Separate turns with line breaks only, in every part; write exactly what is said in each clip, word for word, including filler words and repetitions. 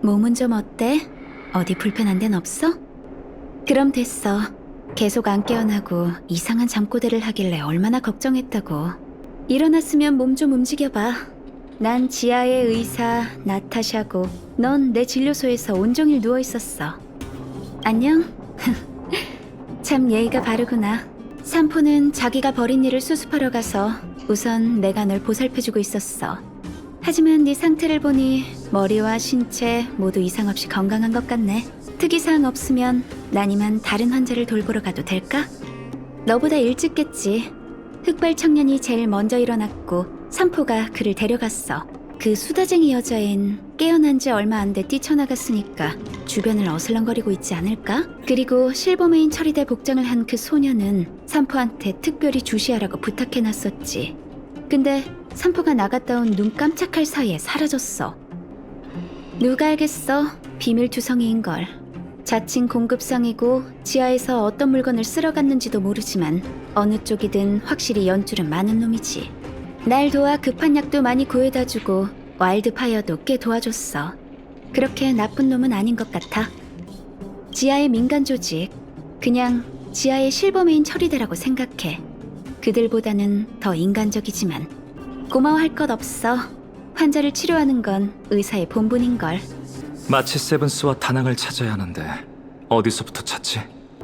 몸은 좀 어때? 어디 불편한 데는 없어? 그럼 됐어. 계속 안 깨어나고 이상한 잠꼬대를 하길래 얼마나 걱정했다고. 일어났으면 몸 좀 움직여봐. 난 지하의 의사 나타샤고 넌 내 진료소에서 온종일 누워있었어. 안녕? 참 예의가 바르구나. 산포는 자기가 벌인 일을 수습하러 가서 우선 내가 널 보살펴주고 있었어. 하지만 네 상태를 보니 머리와 신체 모두 이상 없이 건강한 것 같네. 특이사항 없으면 난 이만 다른 환자를 돌보러 가도 될까? 너보다 일찍 깼지. 흑발 청년이 제일 먼저 일어났고 산포가 그를 데려갔어. 그 수다쟁이 여자엔 깨어난 지 얼마 안 돼 뛰쳐나갔으니까 주변을 어슬렁거리고 있지 않을까? 그리고 실버메인 처리대 복장을 한 그 소녀는 산포한테 특별히 주시하라고 부탁해놨었지. 근데 산포가 나갔다 온 눈 깜짝할 사이에 사라졌어. 누가 알겠어? 비밀투성이인걸. 자칭 공급상이고 지하에서 어떤 물건을 쓸어갔는지도 모르지만 어느 쪽이든 확실히 연줄은 많은 놈이지. 날 도와 급한 약도 많이 구해다주고 와일드파이어도 꽤 도와줬어. 그렇게 나쁜 놈은 아닌 것 같아. 지하의 민간 조직, 그냥 지하의 실버메인 처리대라고 생각해. 그들보다는 더 인간적이지만 고마워할 것 없어. 환자를 치료하는 건 의사의 본분인걸.
마치 세븐스와 다낭을 찾아야 하는데 어디서부터 찾지?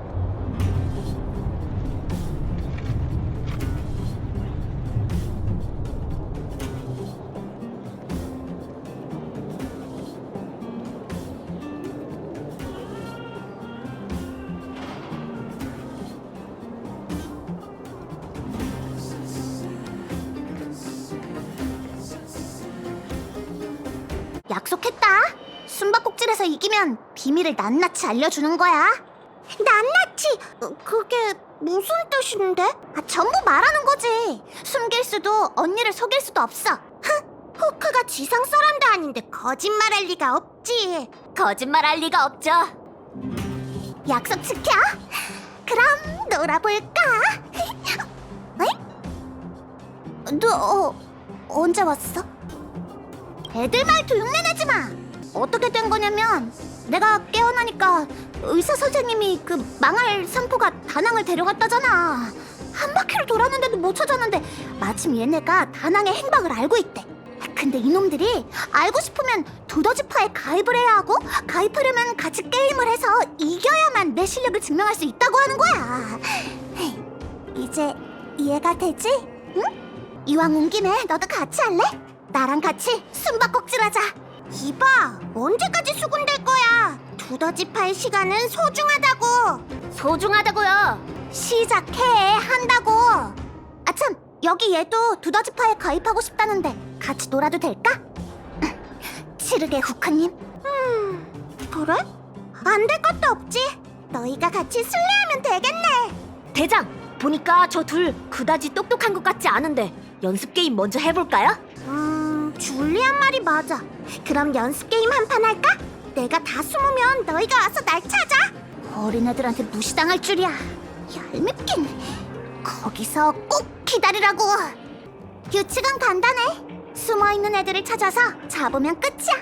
약속했다. 숨바꼭질에서 이기면 비밀을 낱낱이 알려주는 거야. 낱낱이? 어, 그게 무슨 뜻인데? 아, 전부 말하는 거지. 숨길 수도 언니를 속일 수도 없어. 흥, 호크가 지상 사람도 아닌데 거짓말할 리가 없지. 거짓말할 리가 없죠. 약속 지켜. 그럼 놀아볼까? 에? 너 어, 언제 왔어? 애들 말도 흉내내지 마. 어떻게 된 거냐면 내가 깨어나니까 의사 선생님이 그 망할 산포가 다낭을 데려갔다잖아. 한 바퀴를 돌았는데도 못 찾았는데 마침 얘네가 다낭의 행방을 알고 있대. 근데 이놈들이 알고 싶으면 두더지파에 가입을 해야 하고 가입하려면 같이 게임을 해서 이겨야만 내 실력을 증명할 수 있다고 하는 거야. 이제 이해가 되지? 응? 이왕 온 김에 너도 같이 할래? 나랑 같이 숨바꼭질하자. 이봐, 언제까지 수군댈 거야? 두더지파의 시간은 소중하다고. 소중하다고요? 시작해, 한다고. 아참, 여기 얘도 두더지파에 가입하고 싶다는데 같이 놀아도 될까? 치르게 후크님. 음, 그래? 안 될 것도 없지. 너희가 같이 술래하면 되겠네.
대장, 보니까 저 둘 그다지 똑똑한 것 같지 않은데 연습 게임 먼저 해볼까요?
음, 줄리안 말이 맞아. 그럼 연습 게임 한 판 할까? 내가 다 숨으면 너희가 와서 날 찾아. 어린애들한테 무시당할 줄이야. 얄밉긴. 거기서 꼭 기다리라고. 규칙은 간단해. 숨어있는 애들을 찾아서 잡으면 끝이야.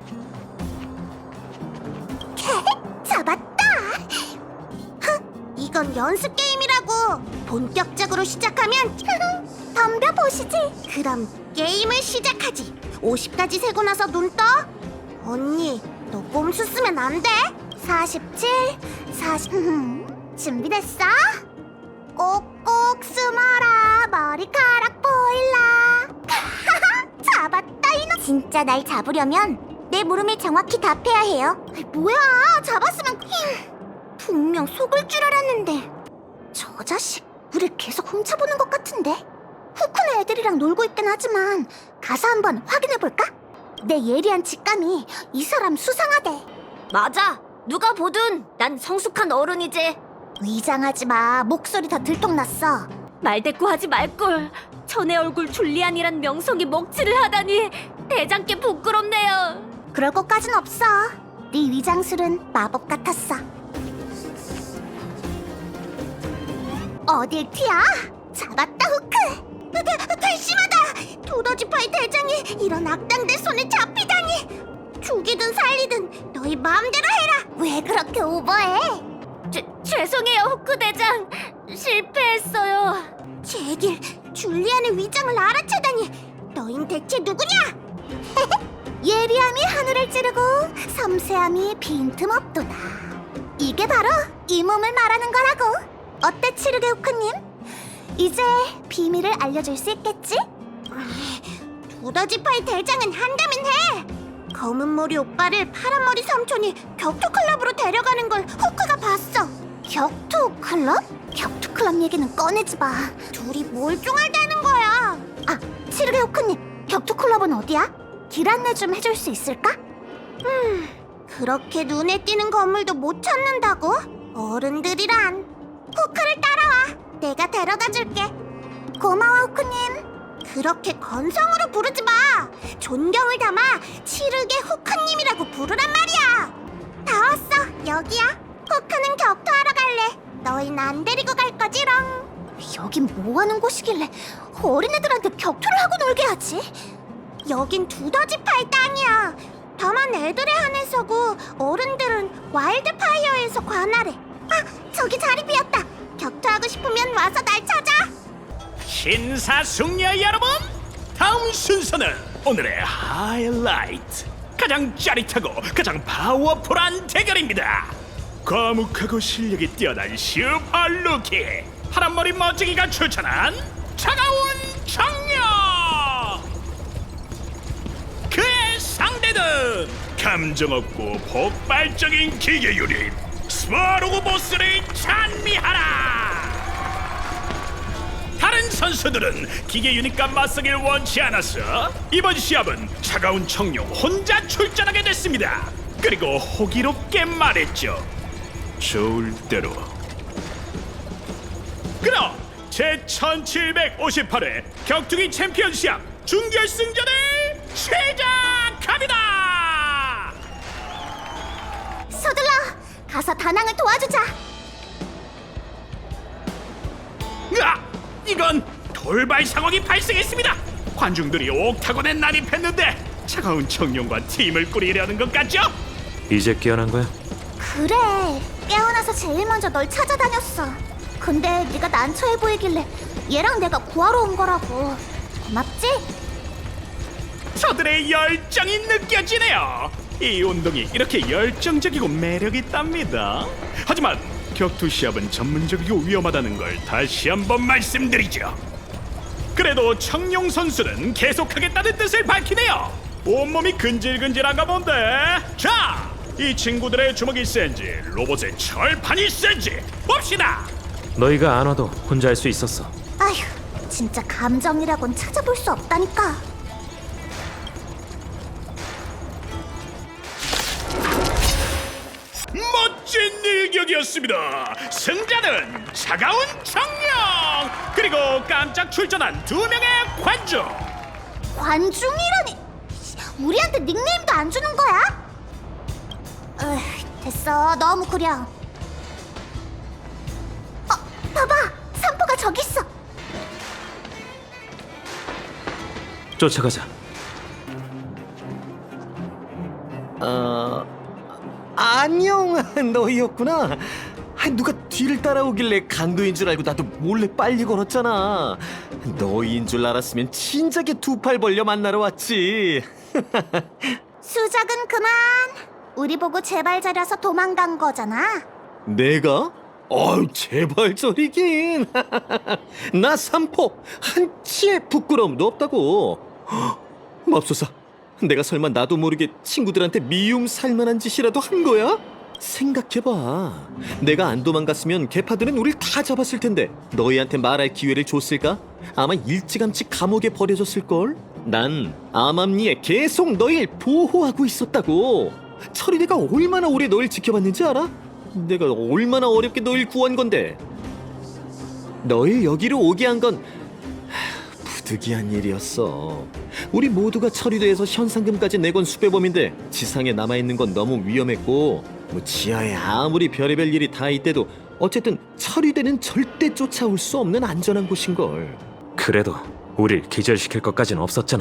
잡았다. 흥, 이건 연습 게임이라고. 본격적으로 시작하면 덤벼보시지. 그럼 게임을 시작하지. 오십까지 세고 나서 눈 떠. 언니, 너 꼼수 쓰면 안 돼. 사십칠, 사십... 준비됐어? 꼭꼭 숨어라, 머리카락 보일라. 잡았다 이놈. 진짜 날 잡으려면 내 물음에 정확히 답해야 해요. 뭐야, 잡았으면 분명 속을 줄 알았는데. 저 자식 우릴 계속 훔쳐보는 것 같은데. 후쿠네 애들이랑 놀고 있긴 하지만 가서 한번 확인해볼까? 내 예리한 직감이 이 사람 수상하대.
맞아, 누가 보든 난 성숙한 어른이지.
위장하지 마. 목소리 다 들통났어.
말대꾸하지 말걸. 전에 얼굴 줄리안이란 명성이 먹칠을 하다니 대장께 부끄럽네요.
그럴 것까진 없어. 네 위장술은 마법 같았어. 어딜 튀어? 잡았다 후크. 대, 대심하다. 두더지파이 대장이 이런 악당들 손에 잡히다니. 죽이든 살리든 너희 마음대로 해라. 왜 그렇게 오버해?
죄, 죄송해요, 후크 대장. 실패했어요.
제길, 줄리안의 위장을 알아채다니. 너흰 대체 누구냐? 예리함이 하늘을 찌르고 섬세함이 빈틈없도다. 이게 바로 이 몸을 말하는 거라고. 어때, 치르게 후크님? 이제 비밀을 알려줄 수 있겠지? 두더지파이 대장은 한다면 해! 검은 머리 오빠를 파란 머리 삼촌이 격투클럽으로 데려가는 걸 후크가 봤어. 격투클럽? 격투클럽 얘기는 꺼내지 마. 둘이 뭘 쫑알대는 거야. 아, 치르게 후크님, 격투클럽은 어디야? 길 안내 좀 해줄 수 있을까? 음, 그렇게 눈에 띄는 건물도 못 찾는다고? 어른들이란. 후크를 따라와. 내가 데려다 줄게. 고마워, 후크님. 그렇게 건성으로 부르지 마. 존경을 담아 치르게 후크님이라고 부르란 말이야. 다 왔어. 여기야. 후크는 격투하러 갈래. 너희는 안 데리고 갈 거지롱. 여긴 뭐 하는 곳이길래 어린애들한테 격투를 하고 놀게 하지? 여긴 두더지파이 땅이야. 다만 애들에 한해서고 어른들은 와일드파이어에서 관할해. 아, 저기 자리 비었다. 격투하고 싶으면 와서 날 찾아.
신사숙녀 여러분, 다음 순서는 오늘의 하이라이트, 가장 짜릿하고 가장 파워풀한 대결입니다. 과묵하고 실력이 뛰어난 슈퍼루키 파란머리 멋지기가 추천한 차가운 청년. 그의 상대는 감정 없고 폭발적인 기계 유닛 스바로그 보스를 찬미하라. 다른 선수들은 기계 유닛과 맞서길 원치 않았어 이번 시합은 차가운 청룡 혼자 출전하게 됐습니다. 그리고 호기롭게 말했죠. 좋을 대로. 그럼 제천칠백오십팔 회 격투기 챔피언 시합 준결승전을 시작합니다.
서둘러 가서 다낭을 도와주자.
아! 이건 돌발 상황이 발생했습니다. 관중들이 옥타곤에 난입했는데 차가운 청룡과 팀을 꾸리려는 것 같죠?
이제 깨어난 거야?
그래, 깨어나서 제일 먼저 널 찾아다녔어. 근데 네가 난처해 보이길래 얘랑 내가 구하러 온 거라고. 고맙지?
저들의 열정이 느껴지네요. 이 운동이 이렇게 열정적이고 매력 있답니다. 하지만 격투 시합은 전문적이고 위험하다는 걸 다시 한번 말씀드리죠. 그래도 청룡 선수는 계속하겠다는 뜻을 밝히네요. 온몸이 근질근질한가 본데. 자, 이 친구들의 주먹이 센지 로봇의 철판이 센지 봅시다.
너희가 안 와도 혼자 할 수 있었어.
아휴, 진짜 감정이라곤 찾아볼 수 없다니까.
멋진 일격이었습니다. 승자는 차가운 청룡 그리고 깜짝 출전한 두 명의 관중.
관중이라니. 우리한테 닉네임도 안 주는 거야? 으, 됐어. 너무 구려. 어, 봐봐. 산포가 저기 있어.
쫓아가자.
어... 안녕, 너희였구나. 아, 누가 뒤를 따라오길래 강도인 줄 알고 나도 몰래 빨리 걸었잖아. 너희인 줄 알았으면 진작에 두 팔 벌려 만나러 왔지.
수작은 그만. 우리 보고 제발 잘려서 도망간 거잖아.
내가? 어이, 제발 저리긴. 나 삼포 한치의 부끄러움도 없다고. 헉, 맙소사, 내가 설마 나도 모르게 친구들한테 미움 살만한 짓이라도 한 거야? 생각해봐. 내가 안 도망갔으면 개파들은 우릴 다 잡았을 텐데 너희한테 말할 기회를 줬을까? 아마 일찌감치 감옥에 버려졌을걸? 난 암암리에 계속 너희를 보호하고 있었다고. 철이네가 얼마나 오래 너희를 지켜봤는지 알아? 내가 얼마나 어렵게 너희를 구한 건데. 너희 여기로 오게 한 건 부득이한 일이었어. 우리 모두가 처리돼서 현상금까지 내건 수배범인데 지상에 남아있는 건 너무 위험했고, 뭐 지하에 아무리 별의별 일이 다 있대도 어쨌든 처리되는 절대 쫓아올 수 없는 안전한 곳인걸.
그래도 우릴 기절시킬 것까진 없었잖아.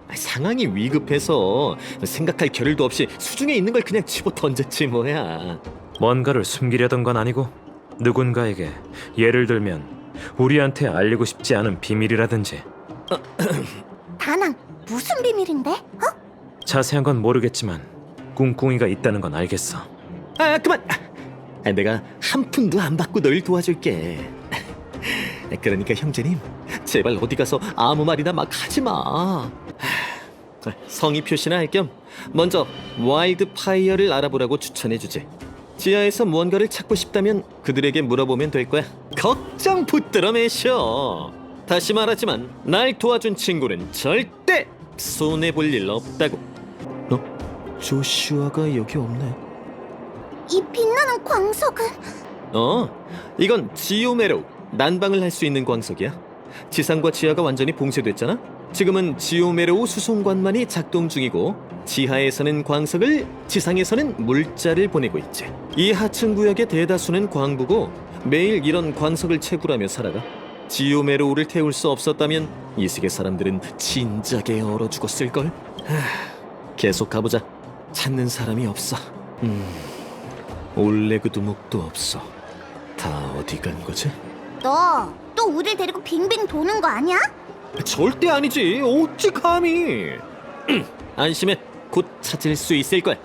상황이 위급해서 생각할 겨를도 없이 수중에 있는 걸 그냥 집어 던졌지 뭐야.
뭔가를 숨기려던 건 아니고 누군가에게, 예를 들면 우리한테 알리고 싶지 않은 비밀이라든지.
다낭, 무슨 비밀인데? 어?
자세한 건 모르겠지만 꿍꿍이가 있다는 건 알겠어.
아 그만. 아, 내가 한 푼도 안 받고 널 도와줄게. 그러니까 형제님, 제발 어디 가서 아무 말이나 막 하지 마. 성의 표시나 할 겸 먼저 와일드 파이어를 알아보라고 추천해주지. 지하에서 무언가를 찾고 싶다면 그들에게 물어보면 될 거야. 걱정 붙들어 매셔. 다시 말하지만 날 도와준 친구는 절대 손해볼 일 없다고. 어? 조슈아가 여기 없네.
이 빛나는 광석은?
어, 이건 지오메로, 난방을 할 수 있는 광석이야. 지상과 지하가 완전히 봉쇄됐잖아. 지금은 지오메로 수송관만이 작동 중이고 지하에서는 광석을, 지상에서는 물자를 보내고 있지. 이 하층 구역의 대다수는 광부고 매일 이런 광석을 채굴하며 살아가. 지오메로우를 태울 수 없었다면 이 세계 사람들은 진작에 얼어 죽었을걸. 하, 계속 가보자. 찾는 사람이 없어. 음, 올레그 두목도 없어. 다 어디 간 거지?
너 또 우릴 데리고 빙빙 도는 거 아니야?
절대 아니지. 어찌 감히. 음, 안심해. 곧 찾을 수 있을 거야.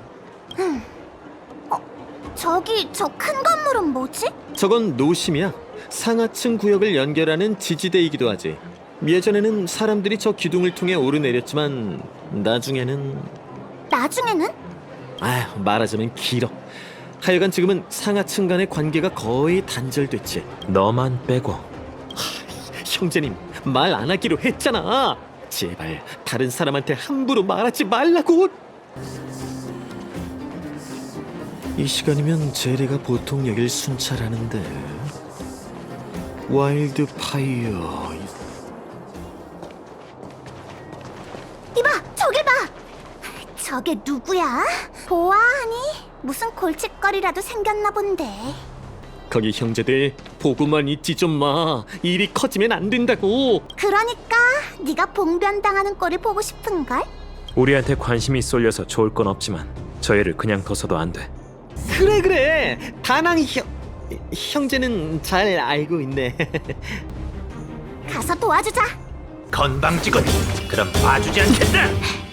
저기 저 큰 건물은 뭐지?
저건 노심이야. 상하층 구역을 연결하는 지지대이기도 하지. 예전에는 사람들이 저 기둥을 통해 오르내렸지만 나중에는...
나중에는?
아휴, 말하자면 길어. 하여간 지금은 상하층 간의 관계가 거의 단절됐지.
너만 빼고.
형제님, 말 안 하기로 했잖아. 제발 다른 사람한테 함부로 말하지 말라고. 이 시간이면 제리가 보통 여길 순찰하는데. 와일드 파이어.
이봐, 저길 봐. 저게 누구야? 보아하니? 무슨 골칫거리라도 생겼나 본데.
거기 형제들 보고만 있지 좀 마. 일이 커지면 안 된다고.
그러니까 네가 봉변당하는 꼴을 보고 싶은걸?
우리한테 관심이 쏠려서 좋을 건 없지만 저 애를 그냥 둬서도 안 돼.
그래 그래. 다낭 형 형제는 잘 알고 있네.
가서 도와주자.
건방지군. 그럼 봐주지 않겠다.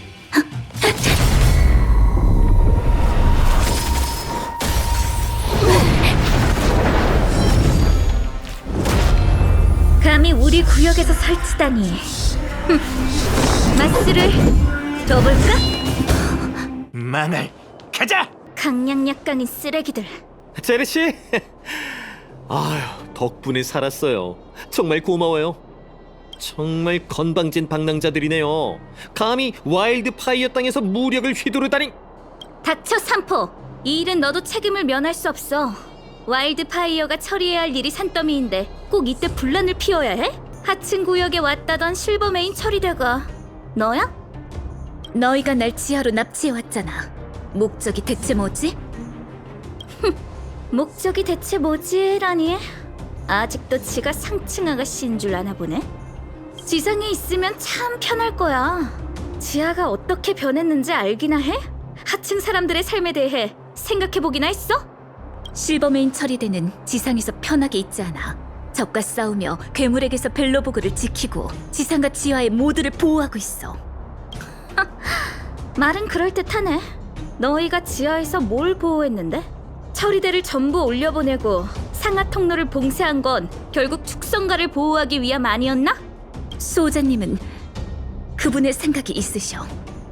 감히 우리 구역에서 설치다니. 흠, 마스를 둬볼까?
망할. 가자.
강량약강인 쓰레기들.
제리 씨. 아휴, 덕분에 살았어요. 정말 고마워요. 정말 건방진 방랑자들이네요. 감히 와일드 파이어 땅에서 무력을 휘두르다니.
닥쳐 삼포. 이 일은 너도 책임을 면할 수 없어. 와일드 파이어가 처리해야 할 일이 산더미인데 꼭 이때 분란을 피워야 해? 하층 구역에 왔다던 실버메인 처리대가 너야?
너희가 날 지하로 납치해왔잖아. 목적이 대체 뭐지?
목적이 대체 뭐지라니? 아직도 지가 상층 아가씨인 줄 아나 보네. 지상에 있으면 참 편할 거야. 지하가 어떻게 변했는지 알기나 해? 하층 사람들의 삶에 대해 생각해보기나 했어?
실버메인 처리대는 지상에서 편하게 있지 않아. 적과 싸우며 괴물에게서 벨로보그를 지키고 지상과 지하의 모두를 보호하고 있어.
말은 그럴듯하네. 너희가 지하에서 뭘 보호했는데? 처리대를 전부 올려보내고 상하 통로를 봉쇄한 건 결국 축성가를 보호하기 위함 아니었나?
수호자님은 그분의 생각이 있으셔.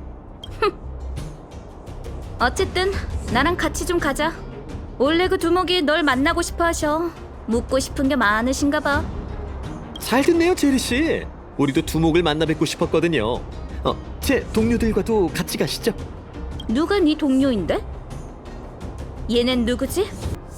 어쨌든 나랑 같이 좀 가자. 원래 그 두목이 널 만나고 싶어 하셔. 묻고 싶은 게 많으신가 봐.
잘 듣네요, 제리 씨. 우리도 두목을 만나 뵙고 싶었거든요. 어, 제 동료들과도 같이 가시죠.
누가 네 동료인데? 얘넨 누구지?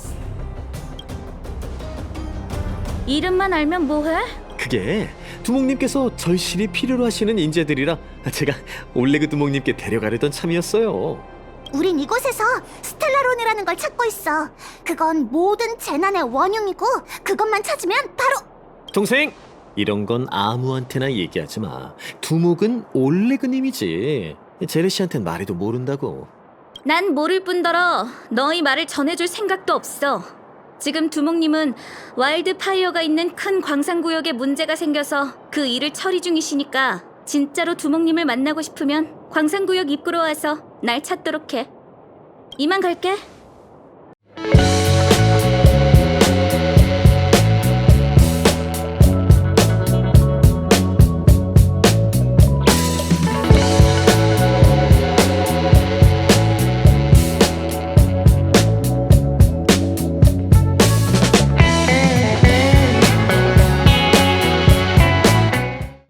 이름만 알면 뭐해?
그게 두목님께서 절실히 필요로 하시는 인재들이라 제가 올레그 두목님께 데려가려던 참이었어요.
우린 이곳에서 스텔라론이라는 걸 찾고 있어. 그건 모든 재난의 원흉이고 그것만 찾으면 바로...
동생, 이런 건 아무한테나 얘기하지 마. 두목은 올레그님이지. 제레시한텐 말해도 모른다고.
난 모를 뿐더러 너희 말을 전해줄 생각도 없어. 지금 두목님은 와일드파이어가 있는 큰 광산구역에 문제가 생겨서 그 일을 처리 중이시니까 진짜로 두목님을 만나고 싶으면 광산구역 입구로 와서 날 찾도록 해. 이만 갈게.